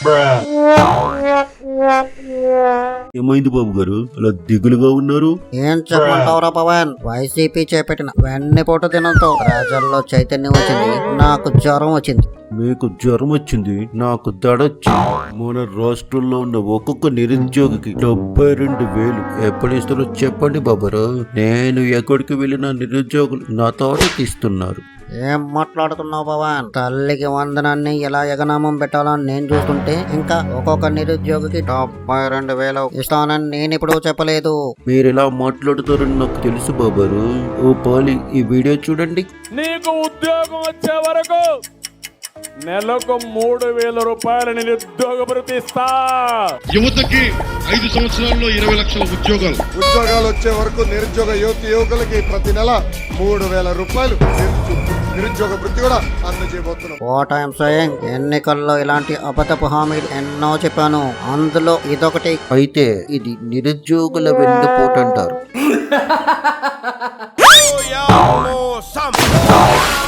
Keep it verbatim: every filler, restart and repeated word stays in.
ఏమైంది బాబు గారు అలా దిగులుగా ఉన్నారు? ఏం చెప్పమంటావురా పవన్, వైసీపీ చేపట్టిన వెన్నెపోటు దినంతో ప్రజల్లో చైతన్యం వచ్చింది, నాకు జ్వరం వచ్చింది. మీకు జ్వరం వచ్చింది, నాకు దడొచ్చింది. మన రాష్ట్రంలో ఉన్న ఒక్కొక్క నిరుద్యోగికి డెబ్బై రెండు వేలు ఎప్పుడు ఇస్తారో చెప్పండి బాబురా. నేను ఎక్కడికి వెళ్ళిన నిరుద్యోగులు నా తోట తీస్తున్నారు. ఏం మాట్లాడుతున్నావు పవన్? తల్లికి వందనాన్ని ఎలా ఎగనామం పెట్టాలని నేను చూస్తుంటే ఇంకా ఒక్కొక్క నిరుద్యోగికి డెబ్బై రెండు వేలు ఇస్తానని నేను ఇప్పుడు చెప్పలేదు. మీరు ఎలా మాట్లాడుతారని నాకు తెలుసు బాబారు. ఓ పాలి, ఈ వీడియో చూడండి. నీకు ఉద్యోగం వచ్చే వరకు నెలకు మూడు వేల రూపాయల నిరుద్యోగ భృతి ఇస్తా. యువతకి ఐదు సంవత్సరాల్లో ఇరవై లక్షల ఉద్యోగాలు ఉద్యోగాలు వచ్చే వరకు నిరుద్యోగ యువత యువకులకి ప్రతి నెల మూడు వేల రూపాయలు నిరుద్యోగ వృత్తి కూడా అందజేయబోతున్నాం. వాట్ ఐఎమ్ సేయింగ్, ఎన్నికల్లో ఇలాంటి అబద్ధపు హామీలు ఎన్నో చెప్పాను, అందులో ఇదొకటి. అయితే ఇది నిరుద్యోగుల వెన్నుపోటు అంటారు.